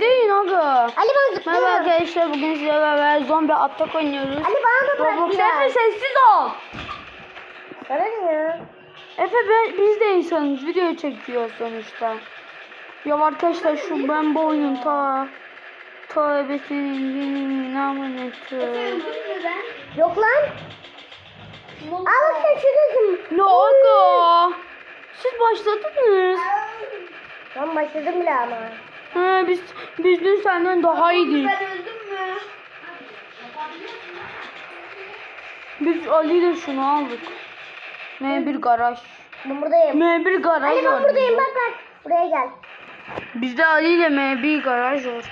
bekleyin aga. Ali ben zıplıyorum. Merhaba arkadaşlar, bugün sizlerle beraber zombi atak oynuyoruz. Ali bana da bırak Roblox. biraz. Efe sessiz ol. Sana ne ya? Efe biz de insanız, video çekiyor sonuçta. Ya arkadaşlar şu ben bu oyunun ta ebesinin namını Yok lan. Al sen şuradasın. ne oldu? Siz başladınız. Ben başladım bile ama. He, biz dün senden daha iyiydik. Ben öldüm mü? Biz Ali ile şunu aldık. M1 garaj. Ben buradayım. M1 garaj Ali ben var. buradayım bak. Buraya gel. Bizde Ali ile M1 garaj var.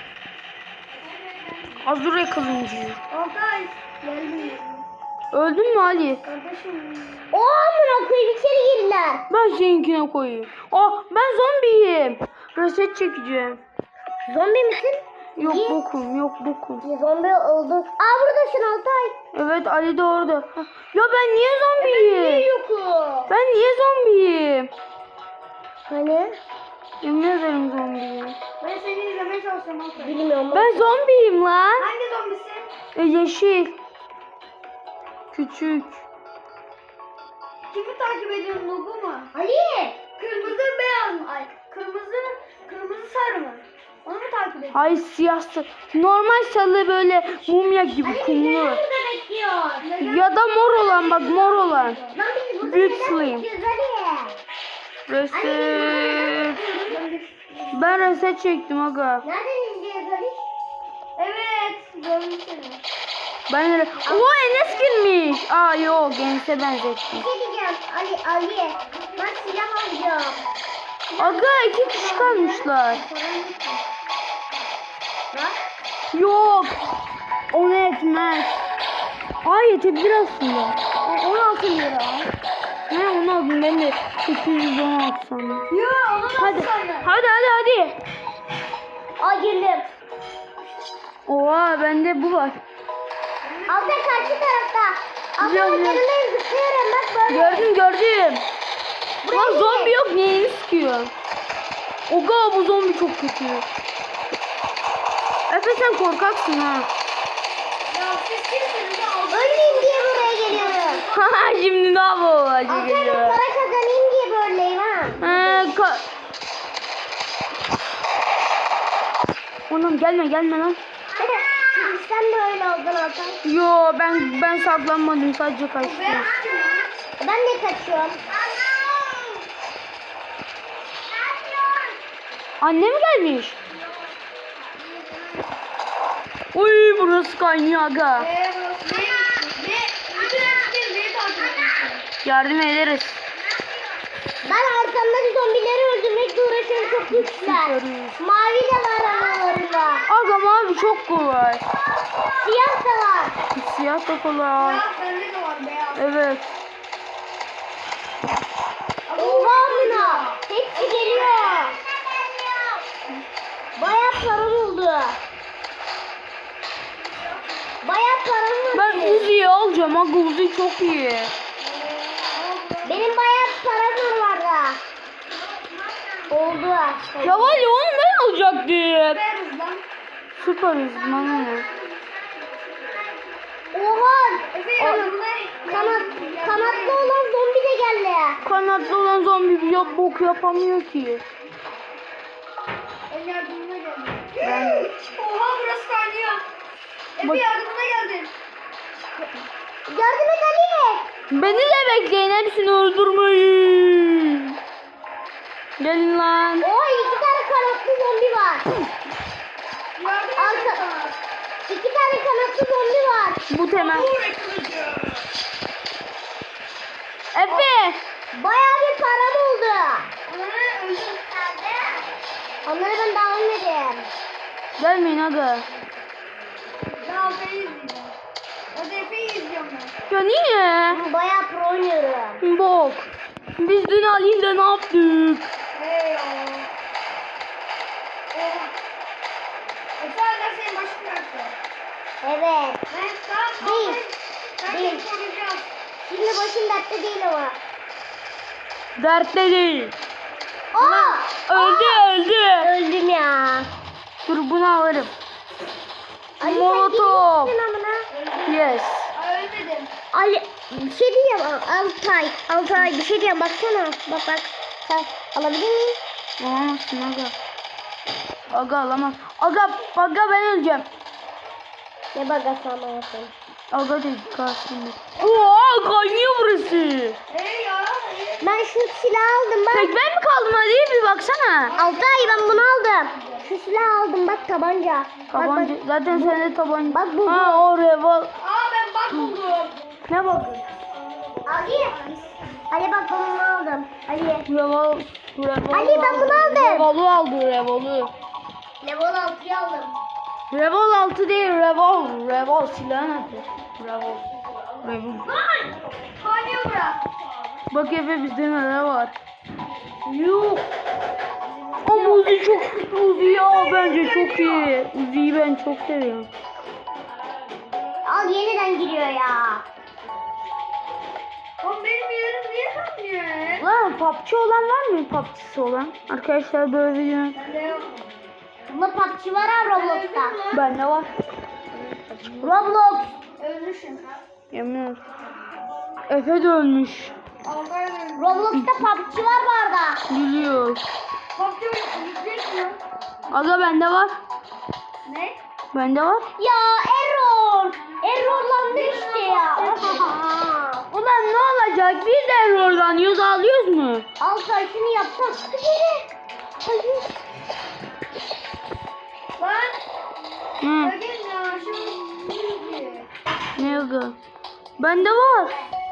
Azure kılıncı. Altay. Geldim. Öldün mü Ali? Kardeşim. Oo amına koyayım içeri girdiler. Ben seninkine koyayım. Ben zombiyim. Reset çekeceğim. Zombi misin? Yok Niye? bokum, yok bokum. Zombi oldun. Aa buradasın Altay. Evet Ali de orada. Ya ben niye zombiyim? yokum? Ben niye zombiyim? Hani? Yemin ederim zombiyim. Ben seni izlemeye çalışıyorum Altay. Bilmiyorum. Ben zombiyim lan. Hangi zombisin? Yeşil. Küçük. Kimi takip ediyorsun Nubu mu? Ali! Kırmızı beyaz mı? Ay kırmızı sarı mı? Onu mu takip ediyorsun? Ay siyah normal sarı böyle mumya gibi kumlu. burada bekliyor. Ya da mor olan, bak mor olan. Lan biz burada Büyük neden slayım. bekliyoruz Ali? Reset. Ben reset çektim aga. Nereden izliyoruz Ali? Evet. Gördüm seni. Ben Enes girmiş. Yok Enes'e benzettim. Bir şey diyeceğim Ali. Ben silah alacağım. Aga 2 kişi kalmışlar. Bak. Yok. Onu etmez. Yetebilir aslında. 16 lira. Ne onu aldım ben de 816 sandım. Yo onu da Hadi. sana. Hadi. Aa girdim. Oha bende bu var. Altta karşı tarafta. Biliyorum, Altta yanındayım zıplıyorum bak böyle. Gördüm. Buraya Lan zombi yok, neyini sıkıyor? Oga bu zombi çok kötü. Efe sen korkaksın ha. Ya siz kimsiniz? Ölmeyeyim diye buraya geliyorum. Şimdi ne yapalım Altta geliyor. para kazanayım diye böyleyim ha. Oğlum gelme lan. Şimdi sen de öyle oldun Altan. Yo ben saklanmadım, sadece kaçtım. Ben de kaçıyorum. Annem gelmiş. Uy burası kaynıyor aga. Yardım ederiz. Ben arkamdaki zombileri öldürmekle uğraşıyorum, çok güçler. Mavi de var aralarında. Aga mavi çok kolay. Siyah da var. Siyah da kolay. Bende de var beyaz. Evet. Oha Mina. Hepsi geliyor. Bayağı param oldu. Ben Uzi'yi alacağım aga, Uzi çok iyi. Benim bayağı param var da. Oldu. Ya var ya onu ben alacaktım. Süper hız bana ne? Oha. Kanatlı olan zombi de geldi. Kanatlı olan zombi bir bok yapamıyor ki. El yardımına geldi. Ben... Oha burası kaynıyor. Bak- Yardımına geldin. Yardım et Ali. Beni de bekleyin, hepsini öldürmeyin. Gelin lan. Oha 2 tane kanatlı zombi var. Arka. 2 tane kanatlı zombi var. Bu temel. Efe. Bayağı bir param oldu. Onları ben daha almadım. Gelmeyin aga. Daha Efe'yi izleyeceğim. Hadi Efe'yi izliyorum ben. Ya niye? Ben bayağı pro oynuyorum. Bok. Biz dün Ali'yle ne yaptık? Hey Allah. Efe hala senin başın dertte. Evet. Değil. Değil. Şimdi başın dertte değil ama. Dertte değil. Aa! Öldü. Öldüm ya. Dur bunu alırım. Ali Molotov. sen amına. Yes. Ölmedim. Ali bir şey diyeceğim. Altay bir şey diyeceğim. Baksana. Bak. Sen alabilir miyim? Alamazsın aga. Aga alamaz. Aga ben öleceğim. Ne bagası ama yapayım. Aga değil karşımda. Oo kaynıyor burası. Ya. Ben şu silahı aldım bak. Tek ben mi kaldım hadi bir baksana. Altay ben bunu aldım. Şu silahı aldım bak tabanca. Tabanca. Bak. Zaten sende tabanca. Bak bu. Ha o revol. Ben bak buldum. Ne bakın? Ali bak ben bunu aldım. Ali. Revol. Ali, ben bunu aldım. Revolu aldı revolu. Level 6'yı aldım. Revol 6 değil revol. Revol silahın adı. Revol. Revol. Kaynıyor bura. Bak Efe bizde neler var. Yok. Ama Uzi çok Uzi ya bence çok iyi. Uzi'yi ben çok seviyorum. Al yeniden giriyor ya. Oğlum benim yerim niye kaynıyor? Lan PUBG olan var mı? PUBG'si olan. Arkadaşlar böyle video. Bende yok. Bunda PUBG var ha Roblox'ta. Bende var. Roblox. Ölmüşüm. Yemin ederim. Efe de ölmüş. Altay ölmüş. Roblox'ta PUBG var bu arada. Biliyor. Bak yükleniyor. Aga bende var. Ne? Bende var. Ya error. Errorlandı işte ya. Ulan ne olacak? Biz de error'dan yüz alıyoruz mu? Altay şunu yapsak. Hadi. Lan. Hı. Bakın ya şu. Ne aga? Bende var.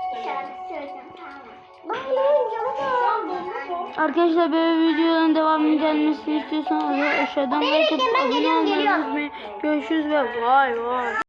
Arkadaşlar böyle videoların devamının gelmesini istiyorsanız aşağıdan like atıp abone olmayı unutmayın. Görüşürüz ve bay bay.